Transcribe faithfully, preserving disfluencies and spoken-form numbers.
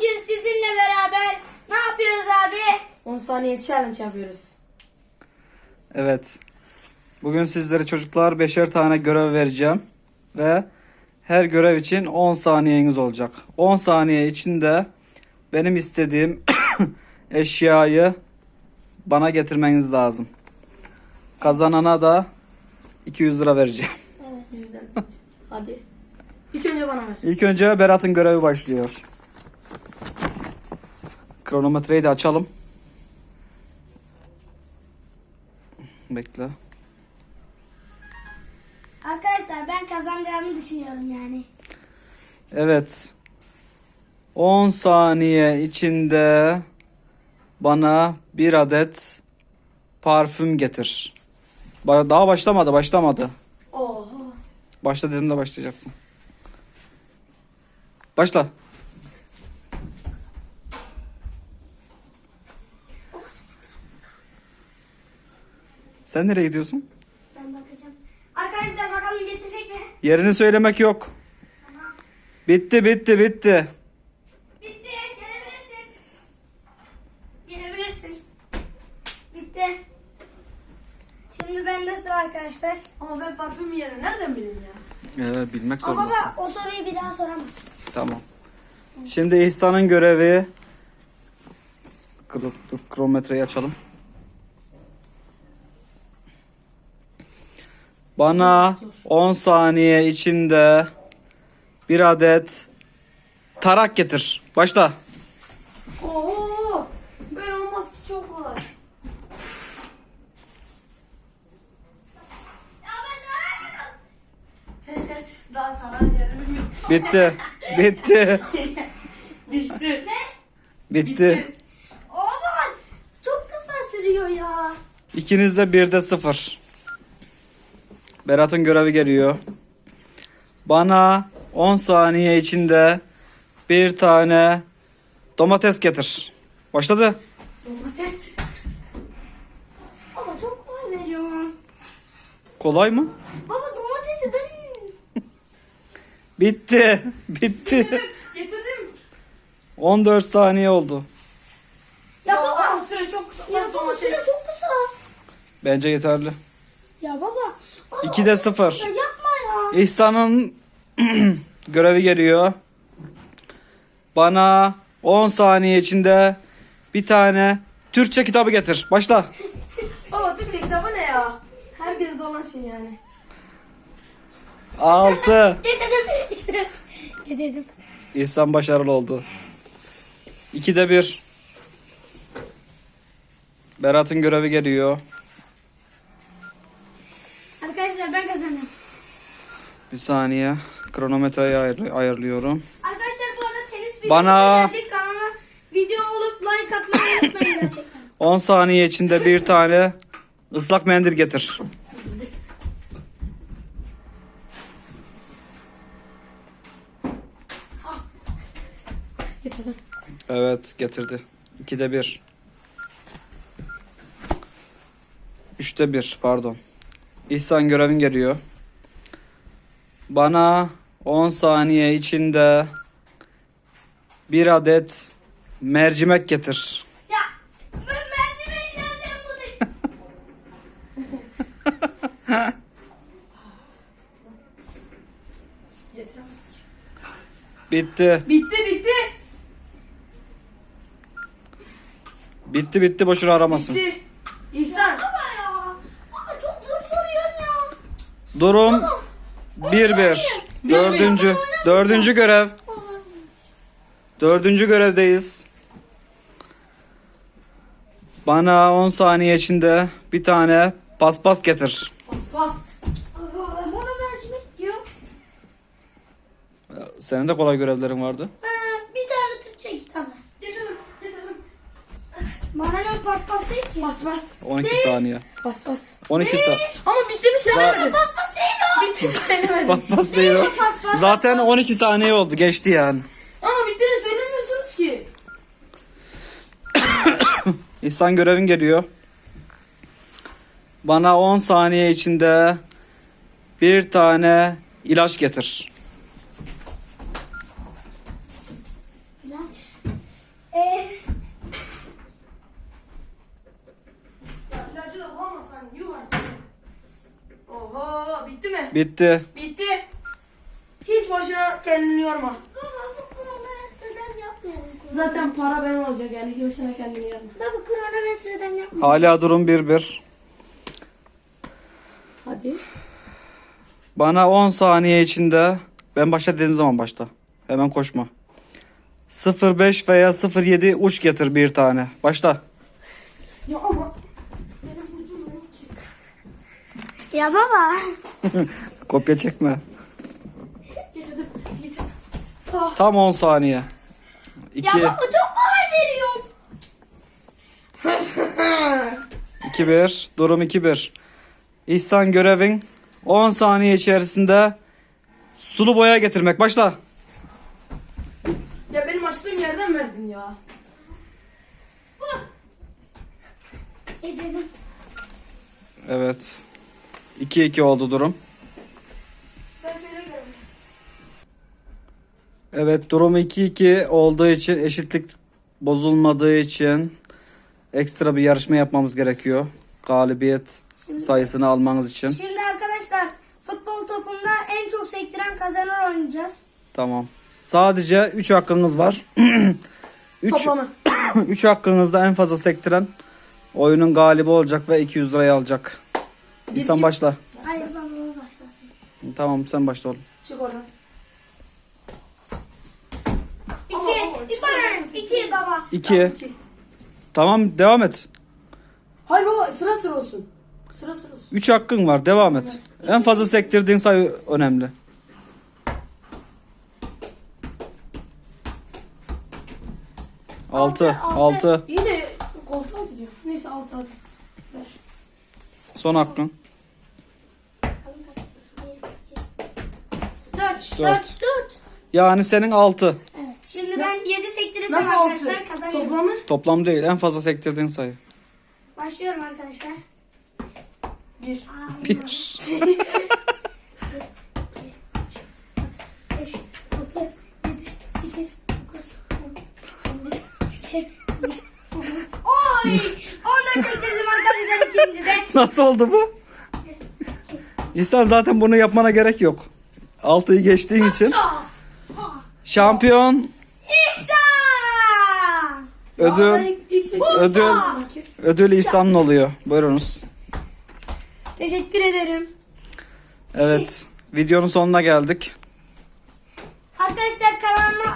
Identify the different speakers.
Speaker 1: Bugün sizinle beraber ne yapıyoruz abi?
Speaker 2: on saniye challenge yapıyoruz.
Speaker 3: Evet. Bugün sizlere çocuklar beşer tane görev vereceğim. Ve her görev için on saniyeniz olacak. on saniye içinde benim istediğim eşyayı bana getirmeniz lazım. Kazanana da iki yüz lira vereceğim.
Speaker 2: Evet. Güzel. Hadi. İlk önce bana ver.
Speaker 3: İlk önce Berat'ın görevi başlıyor. Kronometreyi de açalım. Bekle.
Speaker 1: Arkadaşlar ben kazanacağımı düşünüyorum yani.
Speaker 3: Evet. on saniye içinde bana bir adet parfüm getir. Ba- Daha başlamadı, başlamadı.
Speaker 2: Oha.
Speaker 3: Başla dedim de başlayacaksın. Başla. Sen nereye gidiyorsun?
Speaker 1: Ben bakacağım. Arkadaşlar bakalım getirecek mi?
Speaker 3: Yerini söylemek yok. Bitti, bitti, bitti.
Speaker 1: Bitti. Gelebilirsin. Gelebilirsin. Bitti. Şimdi bende sıra arkadaşlar.
Speaker 2: Ama ben parfüm yerini nereden bileyim ya?
Speaker 3: Evet, bilmek
Speaker 1: Ama
Speaker 3: zorundasın.
Speaker 1: baba o soruyu bir daha soramazsın.
Speaker 3: Tamam. Şimdi İhsan'ın görevi. Kro- Dur, kronometreyi açalım. Bana on saniye içinde bir adet tarak getir. Başla.
Speaker 2: Oho. Böyle olmaz ki, çok kolay.
Speaker 1: Ya ben de
Speaker 2: Daha taran yerini bilmiyorum.
Speaker 3: Bitti. Bitti.
Speaker 2: Düştü.
Speaker 3: Bitti.
Speaker 1: O baba çok kısa sürüyor ya.
Speaker 3: İkiniz de birde sıfır. Berat'ın görevi geliyor. Bana on saniye içinde bir tane domates getir. Başladı.
Speaker 2: Domates.
Speaker 1: Baba çok kolay veriyorsun.
Speaker 3: Kolay mı?
Speaker 1: Baba domatesi ben...
Speaker 3: Bitti. Bitti.
Speaker 2: Getirdim.
Speaker 3: on dört saniye oldu.
Speaker 1: Ya
Speaker 2: Ya
Speaker 1: baba.
Speaker 2: süre çok kısa.
Speaker 1: Ya baba süre çok kısa.
Speaker 3: Bence yeterli.
Speaker 1: Ya baba. baba
Speaker 3: ikide sıfır.
Speaker 1: Ya yapma ya.
Speaker 3: İhsan'ın görevi geliyor. Bana on saniye içinde bir tane Türkçe kitabı getir. Başla.
Speaker 2: Baba Türkçe kitabı ne ya? Herkeste olan şey yani.
Speaker 3: altı.
Speaker 1: Getirdim. Getirdim.
Speaker 3: İhsan başarılı oldu. ikide bir. Berat'ın görevi geliyor.
Speaker 1: Arkadaşlar ben kazandım.
Speaker 3: Bir saniye. Kronometreyi ayır- ayarlıyorum.
Speaker 1: Arkadaşlar bu arada tenis videosu
Speaker 3: Bana-
Speaker 1: gelecek. Kanalıma video olup like atmayı unutmayın gerçekten.
Speaker 3: on saniye içinde bir tane ıslak mendil getir.
Speaker 2: Getirdim.
Speaker 3: Evet, getirdi. ikide bir. üçte bir, pardon. İhsan görevin geliyor. Bana on saniye içinde bir adet mercimek getir.
Speaker 1: Ya ben merdiven nereden bulayım?
Speaker 2: Getiremez ki.
Speaker 3: Bitti.
Speaker 2: Bitti bitti.
Speaker 3: Bitti bitti, boşuna aramasın.
Speaker 2: Bitti. İhsan.
Speaker 1: Baba ya. Baba çok zor soruyorsun ya.
Speaker 3: Durum bir bir. Dördüncü, dördüncü görev. Dördüncü görevdeyiz. Bana on saniye içinde bir tane paspas getir.
Speaker 2: Bas bas.
Speaker 1: Baba bana mercimek diyor.
Speaker 3: Senin de kolay görevlerin vardı.
Speaker 1: Ha, bir tane Türkçe kitabı.
Speaker 2: Getirdim. Getirdim.
Speaker 1: Bana ne paspas değil ki.
Speaker 2: Bas bas.
Speaker 3: on iki saniye.
Speaker 2: Bas bas.
Speaker 3: on iki saniye.
Speaker 2: Ama bittiğini söylemedin.
Speaker 1: Paspas değil o.
Speaker 2: Bittiğini söylemedin.
Speaker 3: Paspas değil o.
Speaker 1: Paspas.
Speaker 3: Zaten on iki saniye oldu. Geçti yani.
Speaker 2: Ama bittiğini söylemiyorsunuz ki.
Speaker 3: İhsan görevin geliyor. Bana on saniye içinde bir tane ilaç getir.
Speaker 1: İlaç.
Speaker 3: Bitti.
Speaker 2: Bitti. Hiç boşuna kendini yorma.
Speaker 1: Baba bu kronometreden yapmayalım.
Speaker 2: Zaten para benim olacak yani. Hiç boşuna kendini yorma.
Speaker 1: Baba kronometreden yapmayalım.
Speaker 3: Hala durum bir bir.
Speaker 2: Hadi.
Speaker 3: Bana on saniye içinde, ben başla dediğim zaman başla. Hemen koşma. sıfır beş veya sıfır yedi uç getir bir tane. Başla.
Speaker 2: Ya ama. Benim ucum yok ki.
Speaker 1: Ya baba.
Speaker 3: Kopya çekme.
Speaker 2: Getirdim. Getirdim. Ah.
Speaker 3: Tam on saniye.
Speaker 1: Ya
Speaker 3: iki,
Speaker 1: baba çok kolay veriyorum.
Speaker 3: iki bir. Durum iki bir. İhsan görevin on saniye içerisinde sulu boya getirmek. Başla.
Speaker 2: Ya benim açtığım yerden verdin ya.
Speaker 1: Getirdim.
Speaker 3: Evet. iki iki oldu durum.
Speaker 2: Sen söyle gel.
Speaker 3: Evet, durum iki iki olduğu için, eşitlik bozulmadığı için ekstra bir yarışma yapmamız gerekiyor. Galibiyet sayısını almanız için.
Speaker 1: Şimdi arkadaşlar futbol topunda en çok sektiren kazanır oynayacağız.
Speaker 3: Tamam. Sadece üç hakkınız var. üç
Speaker 2: Toplamı.
Speaker 3: üç hakkınızda en fazla sektiren oyunun galibi olacak ve iki yüz lirayı alacak. İhsan
Speaker 2: iki-
Speaker 3: başla.
Speaker 1: Hayır baba o başlasın.
Speaker 3: Tamam, sen başla oğlum.
Speaker 2: Çık oradan.
Speaker 1: İki. İki, iki baba.
Speaker 3: iki.
Speaker 2: İki.
Speaker 3: Tamam, devam et.
Speaker 2: Hayır baba sıra sıra olsun. Sıra sıra olsun.
Speaker 3: üç hakkın var, devam et. En fazla sektirdiğin sayı önemli. Altı.
Speaker 1: Altı, altı.
Speaker 3: Altı.
Speaker 2: İyi de koltuğa gidiyor. Neyse altı hadi. Ver.
Speaker 3: Son hakkın.
Speaker 1: Dört.
Speaker 3: Dört.
Speaker 1: Dört. Dört.
Speaker 3: Yani senin altı.
Speaker 1: Evet. Şimdi ben yedi sektirirsem
Speaker 2: Nasıl altı?
Speaker 1: arkadaşlar kazanıyorum.
Speaker 2: Toplamı?
Speaker 3: Toplam değil, en fazla sektirdiğin sayı.
Speaker 1: Başlıyorum arkadaşlar.
Speaker 2: Bir.
Speaker 1: Aa,
Speaker 3: Bir.
Speaker 1: beş, altı, yedi, sekiz, dokuz, on, on bir, iki, üç, on dört. Oy! on dört sektirdim arkadaşlar ikinci de.
Speaker 3: Nasıl oldu bu? İhsan, zaten bunu yapmana gerek yok. altıyı geçtiğin için. Şampiyon
Speaker 1: İhsan!
Speaker 2: Ya
Speaker 3: ödül
Speaker 2: ben ilk- ilk sektim.
Speaker 3: ödül ödül İhsan'ın oluyor. Buyurunuz.
Speaker 1: Teşekkür ederim.
Speaker 3: Evet. Videonun sonuna geldik.
Speaker 1: Arkadaşlar kanalıma